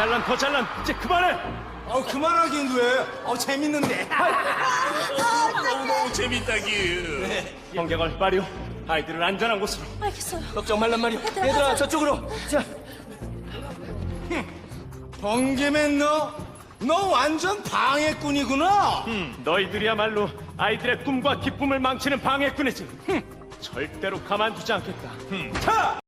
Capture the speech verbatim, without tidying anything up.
잘난 더 잘난 이제 그만해. 어, 그만하긴 왜? 어, 재밌는데. 너무너무 재밌다기. 형경을 마리오 아이들을 안전한 곳으로. 알겠어요. 걱정 말란 말이오. 얘들아, 얘들아 가자. 저쪽으로. 자. 번개맨 너, 너 완전 방해꾼이구나. 음, 너희들이야말로 아이들의 꿈과 기쁨을 망치는 방해꾼이지. 흠, 절대로 가만두지 않겠다. 흠. 자!